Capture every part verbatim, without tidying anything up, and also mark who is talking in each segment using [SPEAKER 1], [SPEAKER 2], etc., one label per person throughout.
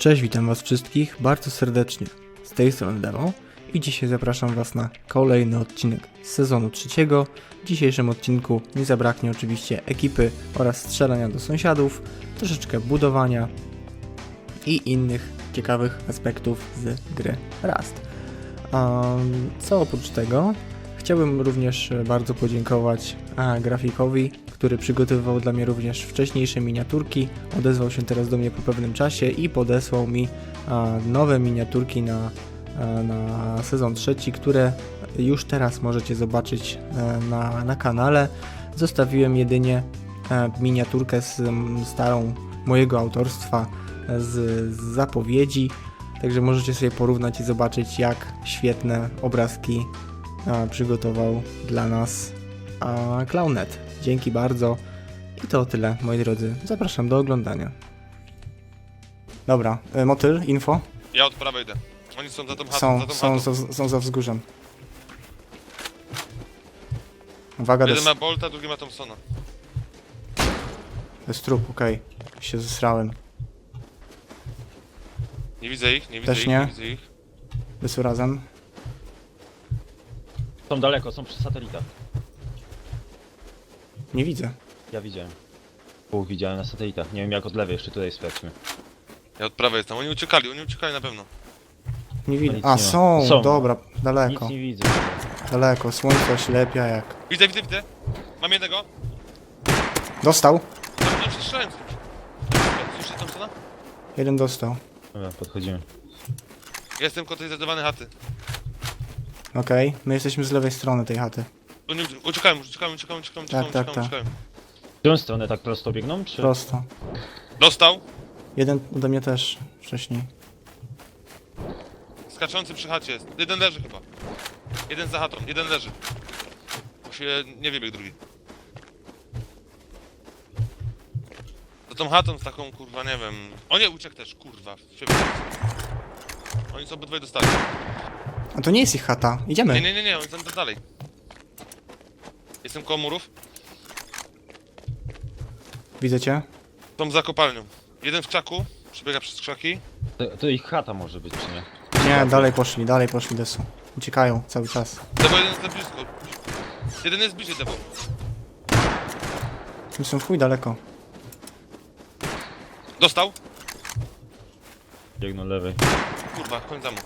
[SPEAKER 1] Cześć, witam was wszystkich bardzo serdecznie. Z tej strony Demo i dzisiaj zapraszam was na kolejny odcinek z sezonu trzeciego. W dzisiejszym odcinku nie zabraknie oczywiście ekipy oraz strzelania do sąsiadów, troszeczkę budowania i innych ciekawych aspektów z gry Rust. Um, co oprócz tego, chciałbym również bardzo podziękować a, grafikowi, który przygotowywał dla mnie również wcześniejsze miniaturki. Odezwał się teraz do mnie po pewnym czasie i podesłał mi a, nowe miniaturki na, a, na sezon trzeci, które już teraz możecie zobaczyć a, na, na kanale. Zostawiłem jedynie a, miniaturkę z m, starą mojego autorstwa z, z zapowiedzi, także możecie sobie porównać i zobaczyć, jak świetne obrazki a, przygotował dla nas a, Clownnet. Dzięki bardzo. I to tyle, moi drodzy. Zapraszam do oglądania. Dobra, e, motyl, info.
[SPEAKER 2] Ja od prawej idę. Oni są za tą chatą,
[SPEAKER 1] Są,
[SPEAKER 2] za tą
[SPEAKER 1] są,
[SPEAKER 2] chatą.
[SPEAKER 1] są, są za wzgórzem. Uwaga, to
[SPEAKER 2] Jeden
[SPEAKER 1] jest,
[SPEAKER 2] ma Bolta, drugi ma Thompsona.
[SPEAKER 1] to jest trup, okej. Okay. Się zesrałem.
[SPEAKER 2] Nie widzę ich, nie widzę
[SPEAKER 1] Też
[SPEAKER 2] ich,
[SPEAKER 1] nie.
[SPEAKER 2] nie widzę ich.
[SPEAKER 1] Wysu razem.
[SPEAKER 3] Są daleko, są przy satelitach.
[SPEAKER 1] Nie widzę.
[SPEAKER 3] Ja widziałem. Pół widziałem na satelitach. Nie wiem jak od lewej, jeszcze tutaj sprawdźmy.
[SPEAKER 2] Ja od prawej jestem. Oni uciekali, oni uciekali na pewno.
[SPEAKER 1] Nie widzę.
[SPEAKER 3] nic
[SPEAKER 1] A,
[SPEAKER 3] nie ma.
[SPEAKER 1] są,
[SPEAKER 3] Są.
[SPEAKER 1] dobra,
[SPEAKER 3] Nic
[SPEAKER 1] daleko.
[SPEAKER 3] nie widzę.
[SPEAKER 1] Daleko, słońce oślepia jak.
[SPEAKER 2] Widzę, widzę, widzę. Mam jednego.
[SPEAKER 1] Dostał.
[SPEAKER 2] Tam nie przestrzelałem. Słyszę Thompsona?
[SPEAKER 1] Jeden dostał.
[SPEAKER 3] Dobra, podchodzimy.
[SPEAKER 2] Ja jestem koło tej zdecydowanej chaty.
[SPEAKER 1] Okej, okay. My jesteśmy z lewej strony tej chaty.
[SPEAKER 2] Oni uciekają, uciekają, uciekają, uciekają, uciekają,
[SPEAKER 1] Tak,
[SPEAKER 2] uciekają,
[SPEAKER 1] tak,
[SPEAKER 2] uciekają.
[SPEAKER 3] W którą stronę tak prosto biegną, czy?
[SPEAKER 1] Prosto.
[SPEAKER 2] Dostał.
[SPEAKER 1] Jeden ode mnie też wcześniej.
[SPEAKER 2] Skaczący przy chacie jest. Jeden leży chyba. Jeden za chatą, jeden leży. Bo się nie wybiegł drugi. Za tą chatą z taką kurwa, nie wiem. O nie, uciekł też, kurwa. Oni są obydwaj dostali.
[SPEAKER 1] A to nie jest ich chata. Idziemy.
[SPEAKER 2] Nie, nie, nie, nie, oni są tam dalej. Jestem koło murów.
[SPEAKER 1] Widzę cię.
[SPEAKER 2] Są za kopalnią. Jeden w krzaku, przebiega przez krzaki.
[SPEAKER 3] To, to ich chata może być, czy nie?
[SPEAKER 1] Nie, dalej poszli, dalej poszli desu. Uciekają cały czas.
[SPEAKER 2] Debo jeden jest na blisko. Jeden jest bliżej Debo.
[SPEAKER 1] Oni są w chuj daleko.
[SPEAKER 2] Dostał?
[SPEAKER 3] Biegną lewej.
[SPEAKER 2] Kurwa, koń za mu.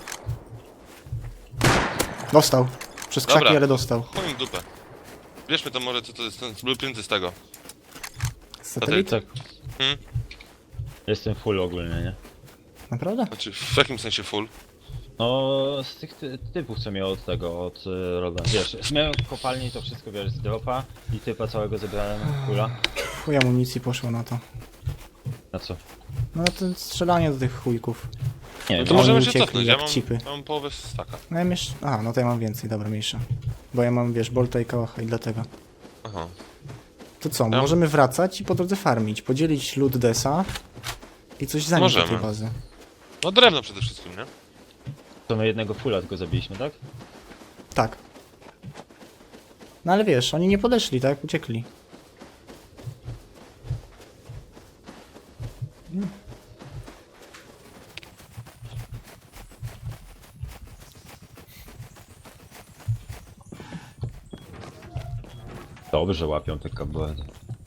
[SPEAKER 1] Dostał. Przez krzaki,
[SPEAKER 2] Dobra.
[SPEAKER 1] ale dostał.
[SPEAKER 2] Chuj im w dupę. Bierzmy to może, co to jest, ten blueprinty z tego.
[SPEAKER 1] Satelit?
[SPEAKER 3] Tak.
[SPEAKER 2] Hmm?
[SPEAKER 3] Jestem full ogólnie, nie?
[SPEAKER 1] Naprawdę?
[SPEAKER 2] Znaczy, w jakim sensie full?
[SPEAKER 3] No, z tych ty typów co miał od tego, od y, Roda. Wiesz, miałem kopalnię i to wszystko, wiesz, z dropa i typa całego zebrałem kula.
[SPEAKER 1] Chuj amunicji poszło na to.
[SPEAKER 3] Na co?
[SPEAKER 1] No to strzelanie do tych chujków.
[SPEAKER 3] Nie
[SPEAKER 2] No
[SPEAKER 3] wiem,
[SPEAKER 2] to
[SPEAKER 1] oni
[SPEAKER 2] możemy się
[SPEAKER 1] uciekli
[SPEAKER 2] cofnąć,
[SPEAKER 1] jak
[SPEAKER 2] ja mam,
[SPEAKER 1] cipy.
[SPEAKER 2] ja mam połowę staka.
[SPEAKER 1] No ja jeszcze... A, no to ja mam więcej, dobra, mniejsza. Bo ja mam, wiesz, bolta i kałacha i dlatego.
[SPEAKER 2] Aha.
[SPEAKER 1] To co,
[SPEAKER 2] Ja-
[SPEAKER 1] możemy wracać i po drodze farmić. Podzielić lód desa i coś zanieść do tej
[SPEAKER 2] Możemy.
[SPEAKER 1] bazy.
[SPEAKER 2] No drewno przede wszystkim, nie?
[SPEAKER 3] to my jednego fulla tylko zabiliśmy, tak?
[SPEAKER 1] Tak. No ale wiesz, oni nie podeszli, tak? Uciekli.
[SPEAKER 3] Dobrze łapią te kabelety.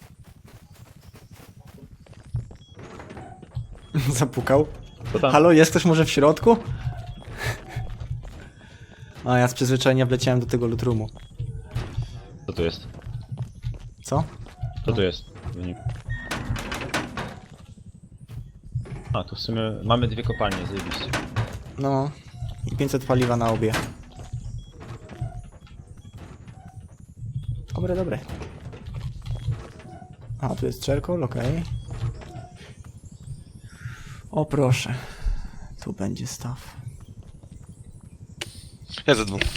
[SPEAKER 1] Zapukał.
[SPEAKER 3] To tam...
[SPEAKER 1] Halo, jest ktoś może w środku? A ja z przyzwyczajenia wleciałem do tego lootroomu.
[SPEAKER 3] Co tu jest?
[SPEAKER 1] Co?
[SPEAKER 3] Co tu jest? Wynik. A, tu w sumie mamy dwie kopalnie, zajebiście.
[SPEAKER 1] No. I pięćset paliwa na obie. Dobre, dobre. A, tu jest czerkol, okej. O proszę. Tu będzie staw.
[SPEAKER 2] Ja ze dwóch.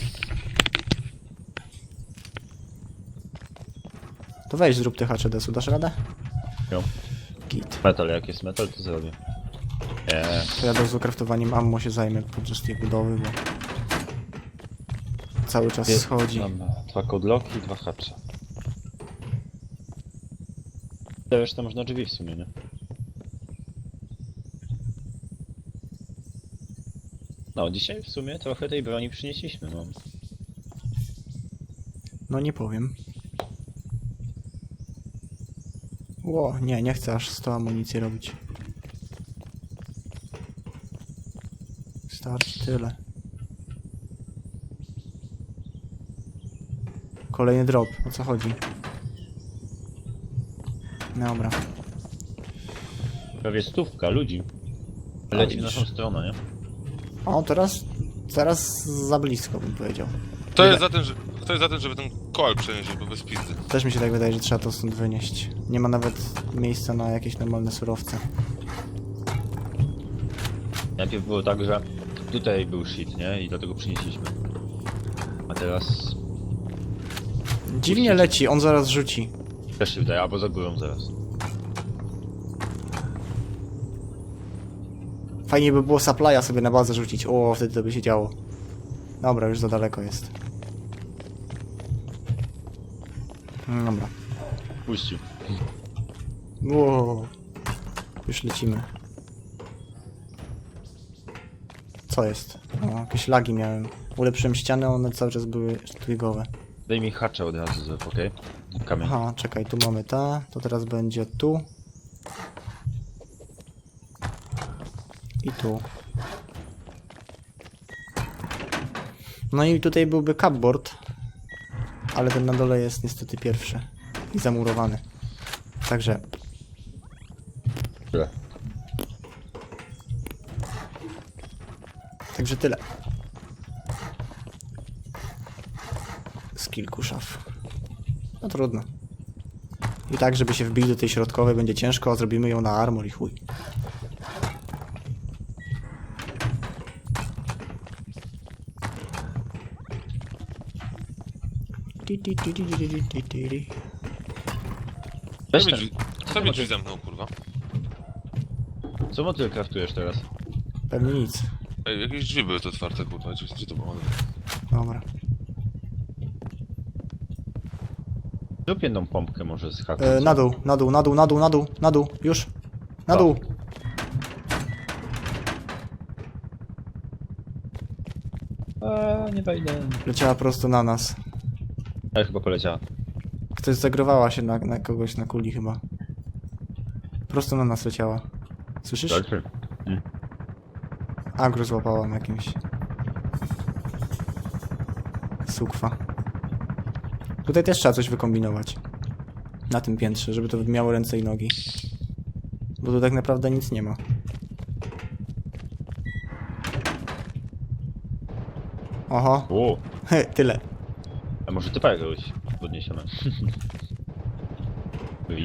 [SPEAKER 1] To weź zrób te H C D-su, dasz radę?
[SPEAKER 3] Jo.
[SPEAKER 1] Git.
[SPEAKER 3] Metal, jak jest metal, to zrobię. Nie.
[SPEAKER 1] To ja do kraftowaniem ammo się zajmę podczas tej budowy, bo cały czas
[SPEAKER 3] Jest-
[SPEAKER 1] schodzi.
[SPEAKER 3] Mam dwa kodloki i dwa hacze. To resztę można drzwi w sumie, nie? No, dzisiaj w sumie trochę tej broni przynieśliśmy, no.
[SPEAKER 1] No nie powiem. Ło, nie, nie chcę aż sto amunicji robić. Starczy tyle. Kolejny drop, o co chodzi? Dobra.
[SPEAKER 3] Prawie stówka ludzi.
[SPEAKER 1] A,
[SPEAKER 3] Leci w
[SPEAKER 1] widzisz.
[SPEAKER 3] naszą stronę, nie?
[SPEAKER 1] O, teraz, teraz za blisko bym powiedział.
[SPEAKER 2] Kto jest za tym, że, kto jest za tym, żeby ten koal przenieść, bo bez pizdy?
[SPEAKER 1] Też mi się tak wydaje, że trzeba to stąd wynieść. Nie ma nawet miejsca na jakieś normalne surowce.
[SPEAKER 3] Najpierw było tak, że tutaj był shit, nie? I dlatego przynieśliśmy. A teraz
[SPEAKER 1] Dziwnie leci, on zaraz rzuci.
[SPEAKER 3] też się wydaje, albo za górą zaraz.
[SPEAKER 1] Fajnie by było supply'a sobie na bazę rzucić. O, wtedy to by się działo. Dobra, już za daleko jest. No dobra.
[SPEAKER 3] Puścił.
[SPEAKER 1] Wow. Już lecimy. Co jest? O, jakieś lagi miałem. Ulepszyłem ściany, one cały czas były twigowe.
[SPEAKER 3] Daj mi hacza od razu, zrób, okej? Kamień.
[SPEAKER 1] Aha, czekaj, tu mamy ta, to teraz będzie tu. I tu. No i tutaj byłby cupboard, ale ten na dole jest niestety pierwszy i zamurowany. Także
[SPEAKER 3] Tyle.
[SPEAKER 1] Także tyle. Z kilku szaf. No trudno. I tak, żeby się wbić do tej środkowej będzie ciężko, a zrobimy ją na armor i chuj. Ti, ti, ti, ti, ti, ti, ti, ti, ti.
[SPEAKER 3] Weź
[SPEAKER 2] Kto mi
[SPEAKER 3] ten.
[SPEAKER 2] drzwi, kto mi drzwi zamknął, kurwa?
[SPEAKER 3] Co motyl kraftujesz teraz?
[SPEAKER 1] Pewnie nic.
[SPEAKER 2] Ej, jakieś drzwi były tu otwarte, kurwa, gdzie, gdzie to było?
[SPEAKER 1] Dobra.
[SPEAKER 3] Zrób jedną pompkę może z haku.
[SPEAKER 1] E, na dół, na dół, na dół, na dół, na dół, na dół, już. Na
[SPEAKER 3] Co?
[SPEAKER 1] dół.
[SPEAKER 3] A, nie wejdę.
[SPEAKER 1] Leciała prosto na nas.
[SPEAKER 3] Ale chyba poleciała.
[SPEAKER 1] Ktoś zagrowała się na, na kogoś na kuli chyba. Prosto na nas leciała. Słyszysz?
[SPEAKER 3] Dobrze. Mm.
[SPEAKER 1] Agro złapała na jakimś. Sukwa. Tutaj też trzeba coś wykombinować. Na tym piętrze, żeby to miało ręce i nogi. Bo tu tak naprawdę nic nie ma. Oho,
[SPEAKER 3] O,
[SPEAKER 1] tyle.
[SPEAKER 3] a może typa jakiegoś podniesiemy? Wywi.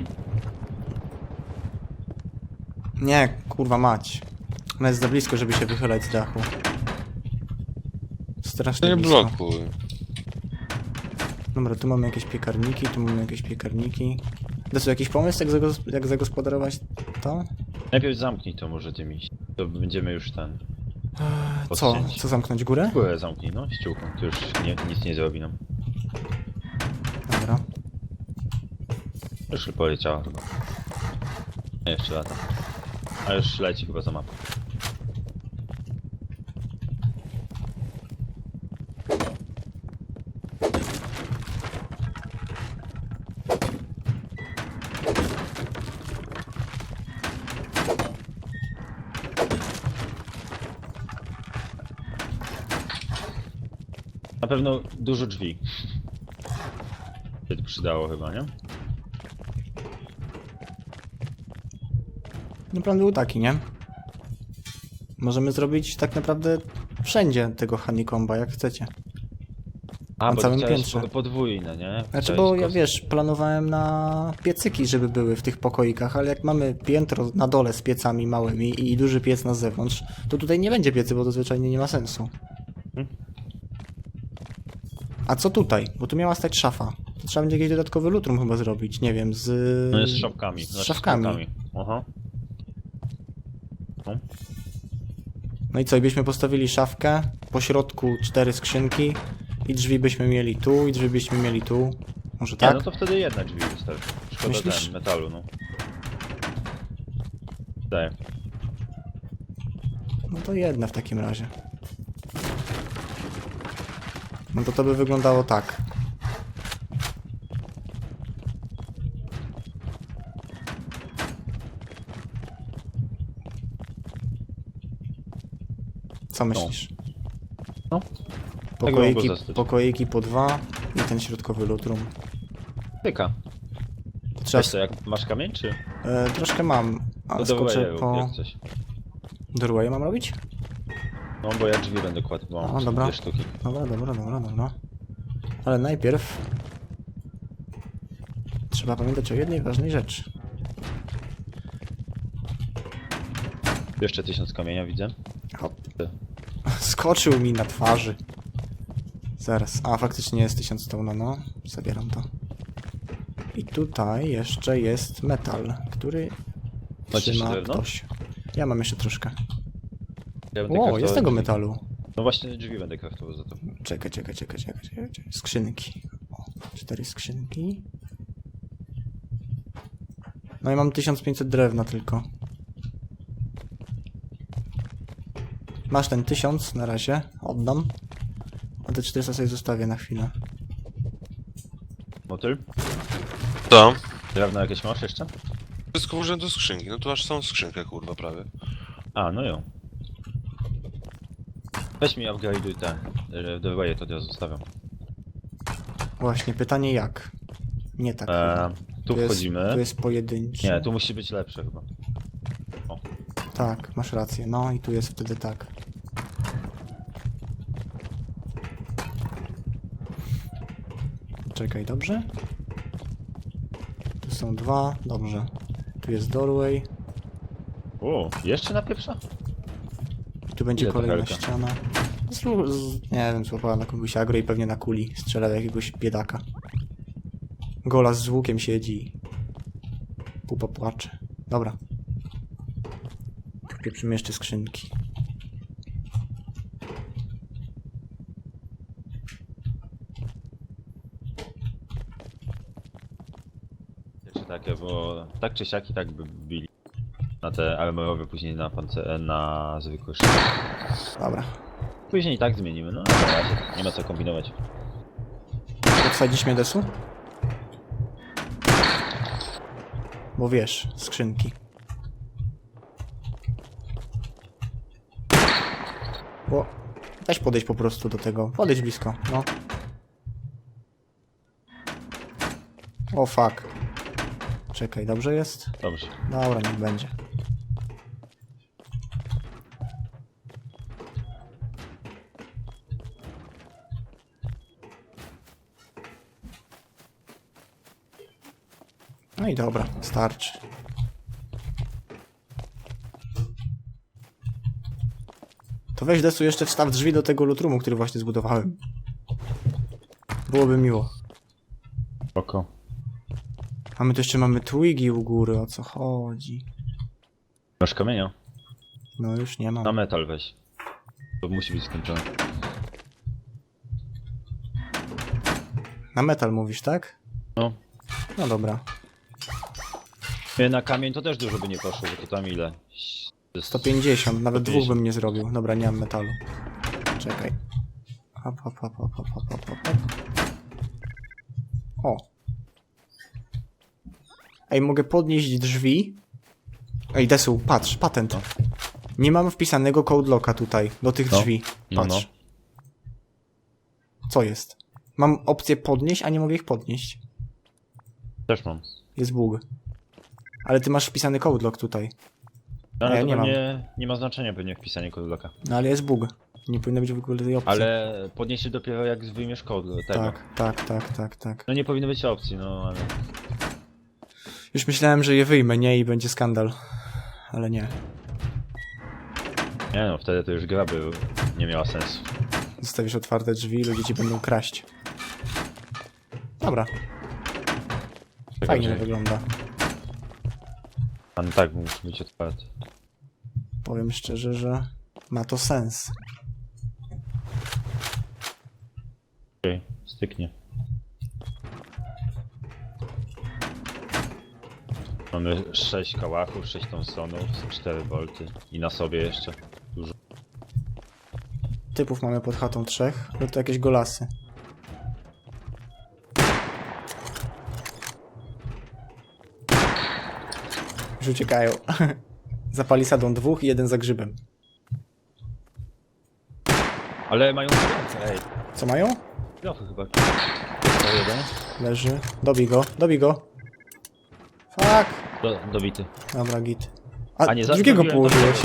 [SPEAKER 1] Nie, kurwa mać. Ona jest za blisko, żeby się wychylać z dachu. Strasznie
[SPEAKER 2] Nie
[SPEAKER 1] blisko.
[SPEAKER 2] blokuj.
[SPEAKER 1] Dobra, tu mamy jakieś piekarniki, tu mamy jakieś piekarniki. Desu, jakiś pomysł, jak, zagos jak zagospodarować to?
[SPEAKER 3] Najpierw zamknij to może tymi. To będziemy już ten.
[SPEAKER 1] Co?
[SPEAKER 3] Odcięć.
[SPEAKER 1] Co zamknąć górę?
[SPEAKER 3] Górę zamknij, no, ściółką. To już nie, nic nie zrobi nam.
[SPEAKER 1] Dobra.
[SPEAKER 3] Już poleciała chyba. Nie, jeszcze lata. A już leci chyba za mapę. Na pewno dużo drzwi. Się to przydało chyba, nie?
[SPEAKER 1] No plan był taki, nie? Możemy zrobić tak naprawdę wszędzie tego honeycomba, jak chcecie.
[SPEAKER 3] A,
[SPEAKER 1] Na
[SPEAKER 3] bo
[SPEAKER 1] całym
[SPEAKER 3] chciałeś
[SPEAKER 1] piętrze.
[SPEAKER 3] po- podwójne, nie?
[SPEAKER 1] Znaczy,
[SPEAKER 3] Chciałeś
[SPEAKER 1] bo ja
[SPEAKER 3] kos-
[SPEAKER 1] wiesz, planowałem na piecyki, żeby były w tych pokoikach, ale jak mamy piętro na dole z piecami małymi i duży piec na zewnątrz, to tutaj nie będzie piecy, bo to zwyczajnie nie ma sensu.
[SPEAKER 3] Hmm.
[SPEAKER 1] A co tutaj? Bo tu miała stać szafa. To trzeba będzie jakiś dodatkowy lutrum chyba zrobić, nie wiem, z...
[SPEAKER 3] No jest z szafkami.
[SPEAKER 1] Z
[SPEAKER 3] znaczy
[SPEAKER 1] szafkami.
[SPEAKER 3] szafkami. Aha. No.
[SPEAKER 1] No i co, i byśmy postawili szafkę, po środku cztery skrzynki i drzwi byśmy mieli tu, i drzwi byśmy mieli tu. Może
[SPEAKER 3] Nie,
[SPEAKER 1] tak?
[SPEAKER 3] no to wtedy jedna drzwi wystarczy. Szkoda
[SPEAKER 1] Myślisz?
[SPEAKER 3] ten, metalu, no. Daję.
[SPEAKER 1] No to jedna w takim razie. No to to by wyglądało tak. Co myślisz?
[SPEAKER 3] No.
[SPEAKER 1] Pokoiki,
[SPEAKER 3] mogło zostać.
[SPEAKER 1] pokoiki po dwa i ten środkowy lootroom.
[SPEAKER 3] Tyka.
[SPEAKER 1] Trzeba...
[SPEAKER 3] Wiesz co, jak masz kamień, czy?
[SPEAKER 1] E, troszkę mam, ale
[SPEAKER 3] To
[SPEAKER 1] skoczę
[SPEAKER 3] dołaję,
[SPEAKER 1] po...
[SPEAKER 3] jak coś.
[SPEAKER 1] Doorway mam robić?
[SPEAKER 3] No bo ja drzwi będę kładł, bo
[SPEAKER 1] O,
[SPEAKER 3] mam
[SPEAKER 1] dobra.
[SPEAKER 3] dwie sztuki.
[SPEAKER 1] Dobra, dobra, dobra, dobra. Ale najpierw... Trzeba pamiętać o jednej ważnej rzeczy.
[SPEAKER 3] Jeszcze tysiąc kamienia widzę.
[SPEAKER 1] Hop. Skoczył mi na twarzy. Zaraz. A, faktycznie jest tysiąc stone, no. Zabieram to. I tutaj jeszcze jest metal, który
[SPEAKER 3] Macie
[SPEAKER 1] trzyma
[SPEAKER 3] jeszcze drewno?
[SPEAKER 1] ktoś. Ja mam jeszcze troszkę.
[SPEAKER 3] Ja będę
[SPEAKER 1] O,
[SPEAKER 3] kraftował
[SPEAKER 1] jest tego
[SPEAKER 3] drzwi.
[SPEAKER 1] metalu.
[SPEAKER 3] No właśnie drzwi będę kraftował za to.
[SPEAKER 1] Czekaj, czekaj, czekaj, czekaj, czekaj. czekaj. Skrzynki. O, cztery skrzynki. No i mam tysiąc pięćset drewna tylko. Masz ten tysiąc na razie, oddam. A te czterysta sobie zostawię na chwilę.
[SPEAKER 3] Motyl?
[SPEAKER 2] Co?
[SPEAKER 3] Drewno jakieś masz jeszcze?
[SPEAKER 2] Wszystko użyłem do skrzynki, no tu aż są skrzynkę, kurwa, prawie.
[SPEAKER 3] A, no ją. Weź mi upgrade'uj te. Dowaję to od razu zostawiam.
[SPEAKER 1] Właśnie, pytanie jak? Nie tak.
[SPEAKER 3] Eee,
[SPEAKER 1] chyba.
[SPEAKER 3] tu
[SPEAKER 1] jest,
[SPEAKER 3] wchodzimy.
[SPEAKER 1] Tu jest pojedynczy.
[SPEAKER 3] Nie, tu musi być lepsze chyba.
[SPEAKER 1] Tak, masz rację. No i tu jest wtedy tak. Czekaj, dobrze? Tu są dwa, dobrze. Tu jest doorway.
[SPEAKER 3] O, jeszcze na pieprza?
[SPEAKER 1] Tu będzie
[SPEAKER 3] Ile to
[SPEAKER 1] kolejna
[SPEAKER 3] helka?
[SPEAKER 1] ściana. Zlu- z, nie wiem, złapała na kogoś agro i pewnie na kuli strzela do jakiegoś biedaka. Golas z łukiem siedzi. Pupa płacze. Dobra. Pieprzymy jeszcze skrzynki.
[SPEAKER 3] Jeszcze takie, bo tak czy siak i tak by bili. Na te armorowe, później na pance na zwykłe szyby.
[SPEAKER 1] Dobra.
[SPEAKER 3] Później i tak zmienimy, no ale na razie nie ma co kombinować.
[SPEAKER 1] Podsadzisz mnie desu? Bo wiesz, skrzynki. Bo... Weź podejść po prostu do tego. Podejdź blisko, no. O fuck. Czekaj, dobrze jest?
[SPEAKER 3] Dobrze.
[SPEAKER 1] Dobra, niech będzie. No i dobra, starczy. To weź desu jeszcze wstaw drzwi do tego lutrumu, który właśnie zbudowałem. Byłoby miło.
[SPEAKER 3] Oko.
[SPEAKER 1] A my tu jeszcze mamy twigi u góry, o co chodzi?
[SPEAKER 3] Masz kamienia?
[SPEAKER 1] No już nie mam.
[SPEAKER 3] Na metal weź. To musi być skończone.
[SPEAKER 1] Na metal mówisz, tak?
[SPEAKER 3] No.
[SPEAKER 1] No dobra.
[SPEAKER 3] Nie, na kamień to też dużo by nie poszło, bo to tam ile?
[SPEAKER 1] sto pięćdziesiąt, nawet
[SPEAKER 3] sto
[SPEAKER 1] dwóch
[SPEAKER 3] pięćdziesiąt.
[SPEAKER 1] bym nie zrobił. Dobra, nie mam metalu. Czekaj. Hop, hop, hop, hop, hop, hop, hop, hop. O. Ej, mogę podnieść drzwi. Ej, Desu, patrz, patent.
[SPEAKER 3] No.
[SPEAKER 1] Nie mam wpisanego code locka tutaj, do tych
[SPEAKER 3] No.
[SPEAKER 1] drzwi.
[SPEAKER 3] No,
[SPEAKER 1] Patrz. Co jest? Mam opcję podnieść, a nie mogę ich podnieść.
[SPEAKER 3] Też mam.
[SPEAKER 1] Jest bug. Ale ty masz wpisany code lock tutaj.
[SPEAKER 3] No, ale
[SPEAKER 1] ja
[SPEAKER 3] to
[SPEAKER 1] nie mam.
[SPEAKER 3] pewnie nie ma znaczenia pewnie wpisanie kodloka.
[SPEAKER 1] No ale jest bug. Nie powinno być w ogóle tej opcji.
[SPEAKER 3] Ale podniesie dopiero jak wyjmiesz kod tego.
[SPEAKER 1] Tak, tak, tak, tak, tak.
[SPEAKER 3] No nie powinno być opcji, no ale...
[SPEAKER 1] Już myślałem, że je wyjmę, nie? I będzie skandal. Ale nie.
[SPEAKER 3] Nie no, wtedy to już gra by nie miała sensu.
[SPEAKER 1] Zostawisz otwarte drzwi i ludzie ci będą kraść. Dobra,
[SPEAKER 3] Czego,
[SPEAKER 1] fajnie to
[SPEAKER 3] że-
[SPEAKER 1] wygląda.
[SPEAKER 3] A no tak, musi być otwarty.
[SPEAKER 1] Powiem szczerze, że ma to sens.
[SPEAKER 3] Okej, styknie. Mamy sześć kałachów, sześć Thompsonów, cztery bolty i na sobie jeszcze dużo.
[SPEAKER 1] Typów mamy pod chatą trzech, lub to jakieś golasy. Już uciekają. Za palisadą dwóch i jeden za grzybem.
[SPEAKER 3] Ale mają kilofy, ej.
[SPEAKER 1] Co mają?
[SPEAKER 3] Kilofy chyba. To jeden.
[SPEAKER 1] Leży. Dobij go, dobij go. Fuck.
[SPEAKER 3] Do, dobity.
[SPEAKER 1] Dobra, git. A,
[SPEAKER 3] A nie, za-
[SPEAKER 1] drugiego
[SPEAKER 3] zabiłem
[SPEAKER 1] położyłeś.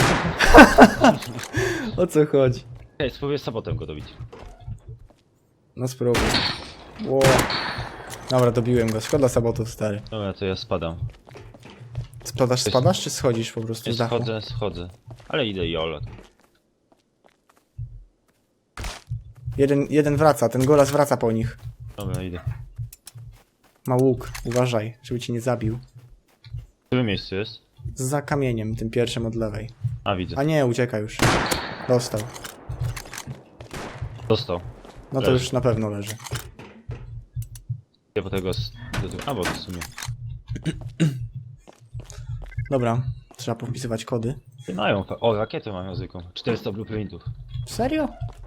[SPEAKER 1] O co chodzi?
[SPEAKER 3] Ej, spróbuję z sabotem go dobić.
[SPEAKER 1] No spróbuj. Ło. Dobra, dobiłem go. Szkoda sabotów, stary.
[SPEAKER 3] Dobra, to ja spadam.
[SPEAKER 1] Spadasz, spadasz, czy schodzisz po prostu
[SPEAKER 3] Ja
[SPEAKER 1] z dachu?
[SPEAKER 3] schodzę, schodzę. Ale idę i Ola.
[SPEAKER 1] Jeden, jeden wraca, ten golas wraca po nich.
[SPEAKER 3] Dobra, idę.
[SPEAKER 1] Ma łuk, uważaj, żeby cię nie zabił.
[SPEAKER 3] W którym miejscu jest?
[SPEAKER 1] Za kamieniem, tym pierwszym od lewej.
[SPEAKER 3] A, widzę.
[SPEAKER 1] A nie, ucieka już. Dostał.
[SPEAKER 3] Dostał.
[SPEAKER 1] No to
[SPEAKER 3] Leży.
[SPEAKER 1] już na pewno leży.
[SPEAKER 3] Ja po tego... s- do tego- A, bo to w sumie.
[SPEAKER 1] Dobra, trzeba powpisywać kody.
[SPEAKER 3] Ty mają... fa- O, rakietę mają zwykłą. czterysta blueprintów.
[SPEAKER 1] Serio?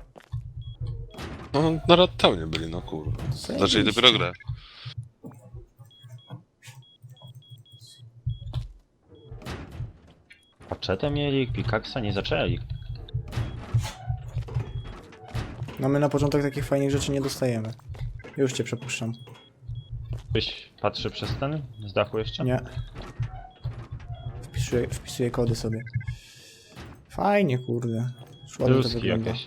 [SPEAKER 2] No, na Rattownie byli, no kurwa. Zaczęli dopiero grę.
[SPEAKER 3] Paczetę mieli, pikaksa nie zaczęli.
[SPEAKER 1] No my na początek takich fajnych rzeczy nie dostajemy. Już cię przepuszczam.
[SPEAKER 3] Ktoś patrzy przez ten? Z dachu jeszcze?
[SPEAKER 1] Nie. Wpisuję, wpisuję kody sobie. Fajnie, kurde. Ładnie to
[SPEAKER 3] Ruski
[SPEAKER 1] wygląda.
[SPEAKER 3] jakieś.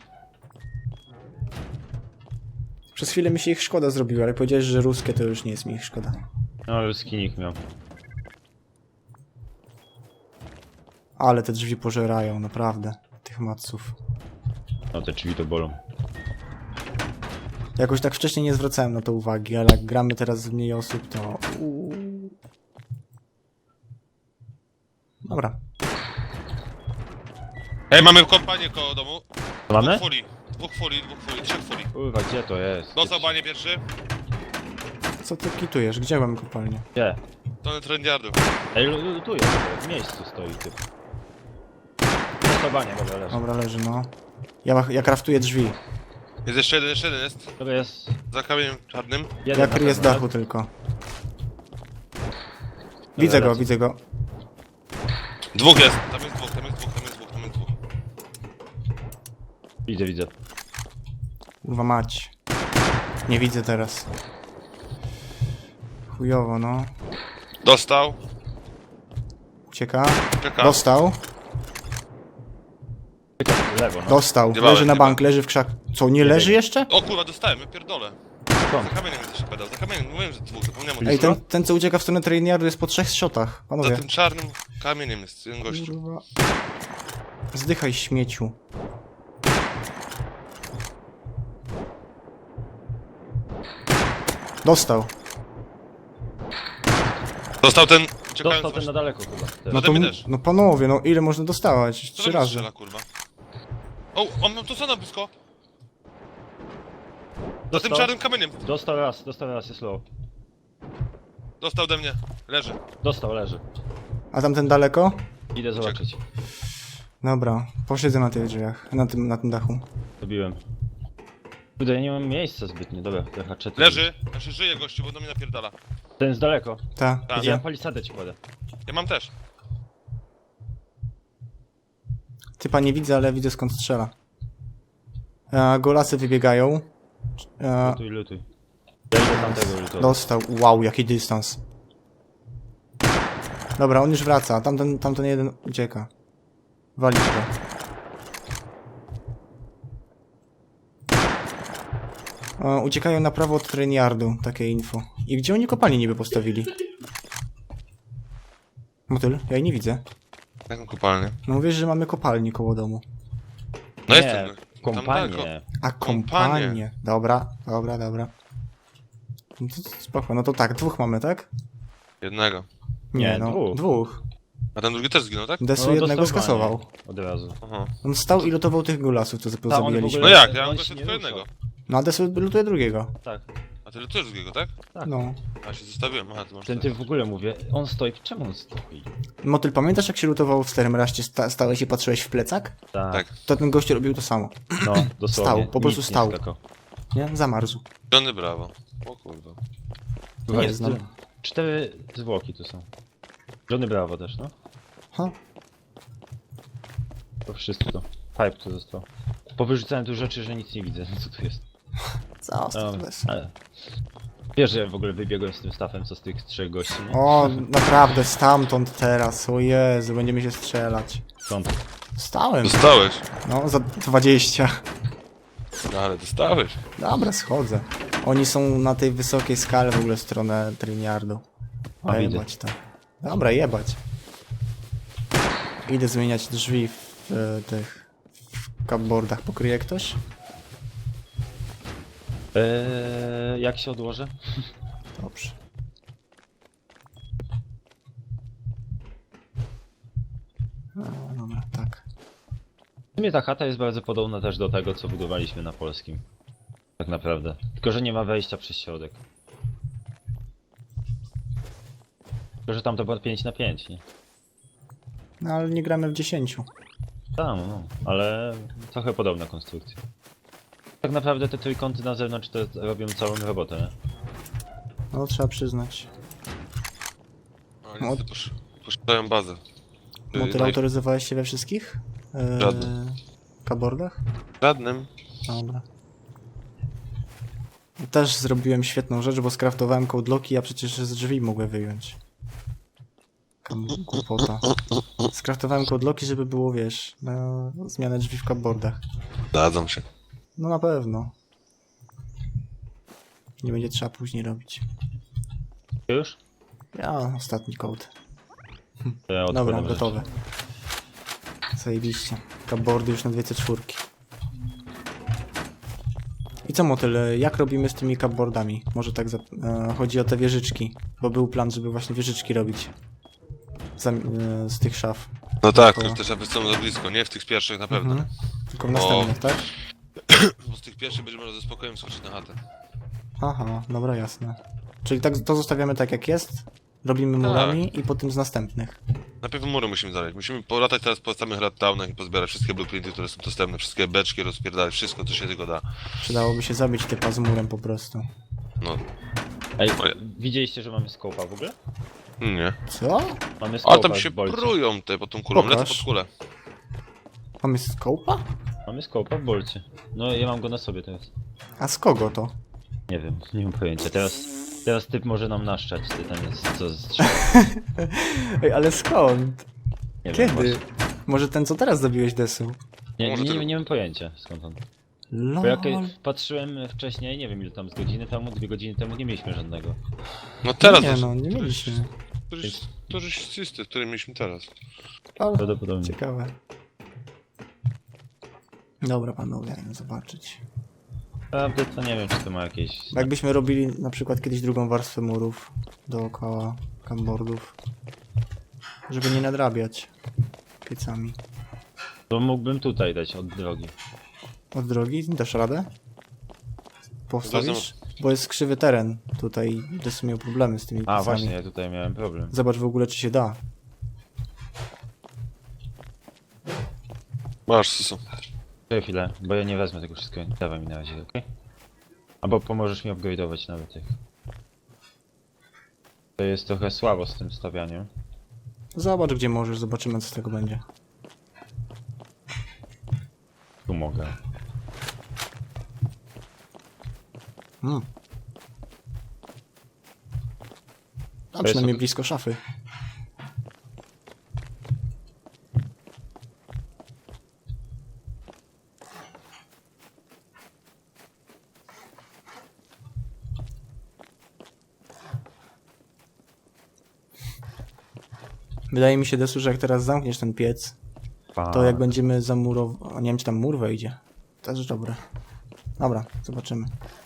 [SPEAKER 1] Przez chwilę mi się ich szkoda zrobiła, ale powiedziałeś, że ruskie to już nie jest mi ich szkoda.
[SPEAKER 3] No, ruski nikt miał.
[SPEAKER 1] Ale te drzwi pożerają, naprawdę. Tych maców.
[SPEAKER 3] No, te drzwi to bolą.
[SPEAKER 1] Jakoś tak wcześniej nie zwracałem na to uwagi, ale jak gramy teraz z mniej osób, to... Uuu. Dobra.
[SPEAKER 2] Ej, mamy kompanię koło domu.
[SPEAKER 3] Co mamy?
[SPEAKER 2] Dwóch fuli, dwóch fuli, dwóch fuli, trzech fuli.
[SPEAKER 3] Kurwa, gdzie to jest?
[SPEAKER 2] Dostał banie pierwszy.
[SPEAKER 1] Co ty kitujesz? Gdzie mam kopalnię?
[SPEAKER 3] Gdzie?
[SPEAKER 2] To trendiardu.
[SPEAKER 3] Ej, lu- lutuję, w miejscu stoi typ. Dostał dobra, leży.
[SPEAKER 1] Dobra, leży, no. Ja, ja kraftuję drzwi.
[SPEAKER 2] Jest jeszcze jeden, jeszcze jeden jest.
[SPEAKER 3] Dobra, jest...
[SPEAKER 2] Za kamieniem czarnym.
[SPEAKER 3] jeden
[SPEAKER 1] Ja
[SPEAKER 3] na
[SPEAKER 1] kryję z
[SPEAKER 3] pewno,
[SPEAKER 1] dachu tylko. Widzę go,
[SPEAKER 3] lecę.
[SPEAKER 1] widzę go.
[SPEAKER 2] Dwóch jest. Tam jest dwóch, tam jest dwóch, tam jest dwóch, tam jest dwóch.
[SPEAKER 3] Widzę, widzę.
[SPEAKER 1] Kurwa mać. Nie widzę teraz. Chujowo, no.
[SPEAKER 2] Dostał.
[SPEAKER 1] Ucieka.
[SPEAKER 2] Czeka.
[SPEAKER 1] Dostał.
[SPEAKER 3] Lewo, no.
[SPEAKER 1] Dostał.
[SPEAKER 2] Zjebałem,
[SPEAKER 1] Leży na
[SPEAKER 2] zjebałem.
[SPEAKER 1] bank, leży w krzak. Co, nie leży jeszcze?
[SPEAKER 2] O kurwa, dostałem, ja pierdolę. Za
[SPEAKER 3] Skąd?
[SPEAKER 2] kamieniem jest jeszcze pedał, za kamieniem, mówiłem, że dwóch, zapomniałem o tym.
[SPEAKER 1] Ej, ten, ten co ucieka w stronę trainyardu jest po trzech shotach.
[SPEAKER 2] Za
[SPEAKER 1] Panowie.
[SPEAKER 2] tym czarnym kamieniem jest jeden gościu.
[SPEAKER 1] Kurwa. Zdychaj, śmieciu. Dostał.
[SPEAKER 2] Dostał ten, czekając
[SPEAKER 3] Dostał ten
[SPEAKER 2] właśnie.
[SPEAKER 3] na daleko chyba. Też.
[SPEAKER 1] No
[SPEAKER 2] No
[SPEAKER 1] to,
[SPEAKER 2] mi też.
[SPEAKER 1] no panowie, no ile można dostawać?
[SPEAKER 2] Co
[SPEAKER 1] Trzy
[SPEAKER 2] tam
[SPEAKER 1] razy.
[SPEAKER 2] strzela, kurwa? O, on mam tu co na blisko? Za tym
[SPEAKER 3] Dostał?
[SPEAKER 2] czarnym kamieniem.
[SPEAKER 3] Dostał raz, dostał raz, jest low.
[SPEAKER 2] Dostał ode mnie. Leży.
[SPEAKER 3] Dostał, leży.
[SPEAKER 1] A tamten daleko?
[SPEAKER 3] Idę zobaczyć.
[SPEAKER 1] Dobra, posiedzę na tych drzwiach, na tym, na tym dachu.
[SPEAKER 3] Dobiłem. Kurde, ja nie mam miejsca zbytnio, dobra, te haczety.
[SPEAKER 2] Leży. Znaczy żyje gościu, bo do mnie napierdala.
[SPEAKER 3] Ten jest daleko.
[SPEAKER 1] Ta,
[SPEAKER 2] Tak.
[SPEAKER 1] widzę.
[SPEAKER 3] Ja palisadę ci kładę.
[SPEAKER 2] Ja mam też.
[SPEAKER 1] Typa nie widzę, ale widzę skąd strzela. E, golasy wybiegają. E,
[SPEAKER 3] Lutuj, lutuj. Ja idę tamtego lutować.
[SPEAKER 1] dostał. Wow, jaki dystans. Dobra, on już wraca. Tamten, tamten jeden ucieka. Walić go. E, uciekają na prawo od trainyardu, takie info. I gdzie oni kopalnię niby postawili? Motyl? Ja jej nie widzę.
[SPEAKER 2] Jaką kopalnię?
[SPEAKER 1] No mówisz, że mamy kopalnię koło domu.
[SPEAKER 2] No
[SPEAKER 3] Nie,
[SPEAKER 2] jestem. Tam daleko.
[SPEAKER 3] kompanię.
[SPEAKER 1] A
[SPEAKER 2] Kompanię.
[SPEAKER 1] kompanię. Dobra, dobra, dobra. No to spoko, no to tak, dwóch mamy, tak?
[SPEAKER 2] Jednego.
[SPEAKER 1] Nie,
[SPEAKER 3] Nie,
[SPEAKER 1] no,
[SPEAKER 3] dwóch.
[SPEAKER 1] dwóch.
[SPEAKER 2] A ten drugi też zginął, tak?
[SPEAKER 1] Desu
[SPEAKER 3] No,
[SPEAKER 1] jednego
[SPEAKER 3] dostał
[SPEAKER 1] skasował.
[SPEAKER 3] banie. Od razu.
[SPEAKER 2] Aha.
[SPEAKER 1] On stał i lutował tych gulasów, co
[SPEAKER 3] Ta, on w
[SPEAKER 1] zabijaliśmy.
[SPEAKER 2] No
[SPEAKER 3] ogóle-
[SPEAKER 2] jak? Ja
[SPEAKER 3] on
[SPEAKER 2] mam
[SPEAKER 3] się
[SPEAKER 2] gościa
[SPEAKER 3] nie
[SPEAKER 2] tylko
[SPEAKER 3] ruszał.
[SPEAKER 2] jednego.
[SPEAKER 1] No a Desu lutuje drugiego.
[SPEAKER 3] Tak.
[SPEAKER 2] A ty lutujesz drugiego, tak?
[SPEAKER 3] Tak.
[SPEAKER 1] No.
[SPEAKER 2] A się zostawiłem, aha, to masz
[SPEAKER 3] Ten
[SPEAKER 2] tak.
[SPEAKER 3] typ w ogóle mówię, on stoi, czemu on stoi?
[SPEAKER 1] Motyl, pamiętasz jak się lutował w starym raście, sta stałeś i patrzyłeś w plecak?
[SPEAKER 3] Tak.
[SPEAKER 2] Tak.
[SPEAKER 1] To ten gościu robił to samo.
[SPEAKER 3] No, dosłownie.
[SPEAKER 1] Stał, po prostu
[SPEAKER 3] Nic nie
[SPEAKER 1] stał.
[SPEAKER 3] skakał.
[SPEAKER 1] Nie? Zamarzł.
[SPEAKER 2] Johnny Brawo. O kurwa.
[SPEAKER 1] Nie znam.
[SPEAKER 3] Cztery zwłoki tu są. Johnny Bravo też, no.
[SPEAKER 1] Ha.
[SPEAKER 3] To wszystko. Pipe tu został. Powyrzucałem tu rzeczy, że nic nie widzę. Co tu jest?
[SPEAKER 1] Co?
[SPEAKER 3] No,
[SPEAKER 1] to jest?
[SPEAKER 3] ale... Wiesz, że ja w ogóle wybiegłem z tym stafem, co z tych trzech gości, nie?
[SPEAKER 1] O, naprawdę, stamtąd teraz. O Jezu, będziemy się strzelać.
[SPEAKER 3] Skąd?
[SPEAKER 1] Stałem.
[SPEAKER 2] Dostałeś.
[SPEAKER 1] No, za dwadzieścia.
[SPEAKER 2] No ale dostałeś.
[SPEAKER 1] Dobra, schodzę. Oni są na tej wysokiej skale w ogóle w stronę Triniardu.
[SPEAKER 3] A, widzę.
[SPEAKER 1] Jebać to. Dobra, jebać. Idę zmieniać drzwi w e, tych w cupboardach. Pokryje ktoś?
[SPEAKER 3] Eee, jak się odłożę?
[SPEAKER 1] Dobrze. No, dobra, tak.
[SPEAKER 3] W sumie ta chata jest bardzo podobna też do tego, co budowaliśmy na polskim. Tak naprawdę. Tylko, że nie ma wejścia przez środek. Tylko, że tam to było pięć na pięć, nie?
[SPEAKER 1] No ale nie gramy w dziesięciu.
[SPEAKER 3] Tam, no. Ale trochę podobna konstrukcja. Tak naprawdę te trójkąty na zewnątrz to robią całą robotę, nie?
[SPEAKER 1] No, trzeba przyznać.
[SPEAKER 2] A niestety posz... poszedłem bazę. Yy,
[SPEAKER 1] Motyl,
[SPEAKER 2] naj-
[SPEAKER 1] autoryzowałeś się we wszystkich? Eee,
[SPEAKER 2] Żadnym.
[SPEAKER 1] cupboardach?
[SPEAKER 2] Żadnym.
[SPEAKER 1] Dobra. Też zrobiłem świetną rzecz, bo skraftowałem codelocki, a przecież z drzwi mogłem wyjąć. Kam głupota. Skraftowałem codelocki, żeby było, wiesz, na zmianę drzwi w cupboardach.
[SPEAKER 2] Dadzą się.
[SPEAKER 1] No na pewno. Nie będzie trzeba później robić.
[SPEAKER 3] Już?
[SPEAKER 1] Ja, ostatni code.
[SPEAKER 3] To ja
[SPEAKER 1] Dobra,
[SPEAKER 3] odkładam
[SPEAKER 1] gotowe. Zajebiście. Cupboardy już na dwie C cztery. I co, Motyl, jak robimy z tymi cupboardami? Może tak za... e, chodzi o te wieżyczki, bo był plan, żeby właśnie wieżyczki robić. Za, e, z tych szaf.
[SPEAKER 2] No tak,
[SPEAKER 1] Dookoła.
[SPEAKER 2] to też aby są za blisko, nie? W tych pierwszych na pewno.
[SPEAKER 1] Mhm. Tylko w następnych, tak?
[SPEAKER 2] Bo z tych pierwszych będziemy może ze spokojem skoczyć na chatę.
[SPEAKER 1] Aha, dobra, jasne. Czyli tak to zostawiamy tak jak jest, robimy murami i potem z następnych.
[SPEAKER 2] Najpierw mury musimy znaleźć. Musimy polatać teraz po samych radtownach i pozbierać wszystkie blueprinty, które są dostępne, wszystkie beczki, rozpierdalać wszystko, co się tylko da.
[SPEAKER 1] Przydałoby się zabić typa z murem po prostu.
[SPEAKER 2] No,
[SPEAKER 3] Ej,
[SPEAKER 2] Moje.
[SPEAKER 3] widzieliście, że mamy skopa w ogóle?
[SPEAKER 2] nie.
[SPEAKER 1] Co?
[SPEAKER 3] Mamy skopa
[SPEAKER 2] Ale tam się
[SPEAKER 3] w bolcie.
[SPEAKER 2] prują te pod tą kulą, lecę
[SPEAKER 1] Pokaż.
[SPEAKER 2] pod kulę.
[SPEAKER 1] Mamy scope'a?
[SPEAKER 3] Mamy skopa w bolcie. No ja mam go na sobie teraz.
[SPEAKER 1] A z kogo to?
[SPEAKER 3] Nie wiem, nie mam pojęcia. Teraz, teraz typ może nam naszczać, ty tam jest co strzela.
[SPEAKER 1] Ej, ale skąd?
[SPEAKER 3] Nie wiem,
[SPEAKER 1] Kiedy?
[SPEAKER 3] właśnie.
[SPEAKER 1] Może ten, co teraz zabiłeś Desu?
[SPEAKER 3] Nie,
[SPEAKER 2] Może
[SPEAKER 3] nie,
[SPEAKER 2] tego-
[SPEAKER 3] nie, nie mam pojęcia skąd on.
[SPEAKER 1] Lol.
[SPEAKER 3] Bo jak patrzyłem wcześniej, nie wiem ile tam z godziny temu, dwie godziny temu nie mieliśmy żadnego.
[SPEAKER 2] No teraz
[SPEAKER 1] Nie
[SPEAKER 2] to-
[SPEAKER 1] no, nie mieliśmy.
[SPEAKER 2] To jest, to jest system, który mieliśmy teraz.
[SPEAKER 1] Ale
[SPEAKER 3] Prawdopodobnie.
[SPEAKER 1] ciekawe. Dobra panowie, no zobaczyć.
[SPEAKER 3] A to, to nie wiem czy to ma jakieś...
[SPEAKER 1] Jakbyśmy robili na przykład kiedyś drugą warstwę murów dookoła cupboardów, żeby nie nadrabiać piecami.
[SPEAKER 3] To mógłbym tutaj dać od drogi.
[SPEAKER 1] Od drogi dasz radę? Postawisz? Bo jest krzywy teren tutaj, Desu miał problemy z tymi
[SPEAKER 3] A
[SPEAKER 1] piecami.
[SPEAKER 3] właśnie, ja tutaj miałem problem.
[SPEAKER 1] Zobacz w ogóle czy się da.
[SPEAKER 2] Masz, Susu.
[SPEAKER 3] Czekaj chwilę, bo ja nie wezmę tego wszystkiego. Dawaj mi na razie, okej? Albo pomożesz mi upgrade'ować nawet tych. To jest trochę słabo z tym stawianiem.
[SPEAKER 1] Zobacz gdzie możesz, zobaczymy co z tego będzie.
[SPEAKER 3] Tu mogę.
[SPEAKER 1] Hmm. A
[SPEAKER 3] jest
[SPEAKER 1] przynajmniej
[SPEAKER 3] ok-
[SPEAKER 1] blisko szafy. Wydaje mi się, Desu, że jak teraz zamkniesz ten piec, to jak będziemy zamurować... Nie wiem, czy tam mur wejdzie. Też dobre. Dobra, zobaczymy.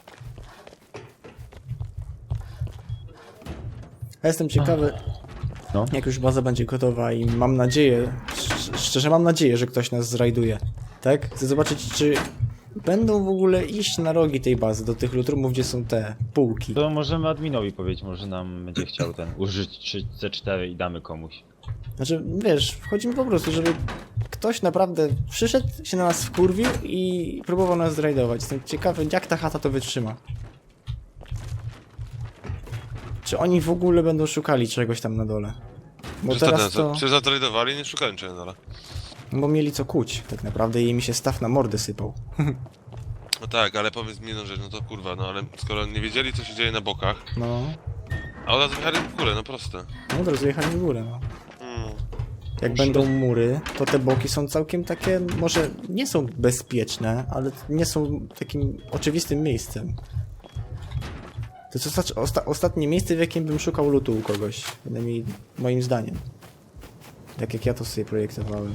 [SPEAKER 1] Ja jestem ciekawy,
[SPEAKER 3] No.
[SPEAKER 1] jak już baza będzie gotowa i mam nadzieję, sz- szczerze mam nadzieję, że ktoś nas zrajduje. Tak? Chcę zobaczyć, czy będą w ogóle iść na rogi tej bazy, do tych lutrumów, gdzie są te półki.
[SPEAKER 3] To możemy adminowi powiedzieć, może nam będzie chciał ten użyć C cztery i damy komuś.
[SPEAKER 1] Znaczy, wiesz, wchodzimy po prostu, żeby ktoś naprawdę przyszedł, się na nas wkurwił i próbował nas zrajdować. Jestem ciekawy, jak ta chata to wytrzyma. Czy oni w ogóle będą szukali czegoś tam na dole? Bo
[SPEAKER 2] Przecież
[SPEAKER 1] teraz
[SPEAKER 2] to...
[SPEAKER 1] to...
[SPEAKER 2] Przecież zatradowali i nie szukają Challenger'a.
[SPEAKER 1] Bo mieli co kuć, tak naprawdę i mi się staw na mordę sypał.
[SPEAKER 2] No tak, ale powiedz mi jedną rzecz, no to kurwa, no ale skoro nie wiedzieli co się dzieje na bokach,
[SPEAKER 1] No,
[SPEAKER 2] a od razu wjechali w górę, no proste.
[SPEAKER 1] no od razu jechali w górę, no.
[SPEAKER 2] Hmm.
[SPEAKER 1] Jak będą mury, to te boki są całkiem takie, może nie są bezpieczne, ale nie są takim oczywistym miejscem. To jest osta osta ostatnie miejsce, w jakim bym szukał lutu u kogoś, przynajmniej moim zdaniem. Tak jak ja to sobie projektowałem.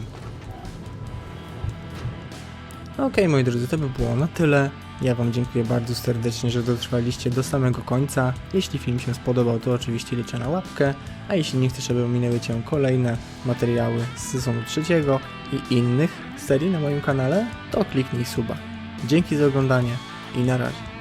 [SPEAKER 1] Okej, moi drodzy, to by było na tyle. Ja wam dziękuję bardzo serdecznie, że dotrwaliście do samego końca. Jeśli film się spodobał, to oczywiście liczę na łapkę, a jeśli nie chcesz, żeby ominęły cię kolejne materiały z sezonu trzeciego i innych serii na moim kanale, to kliknij suba. Dzięki za oglądanie i na razie.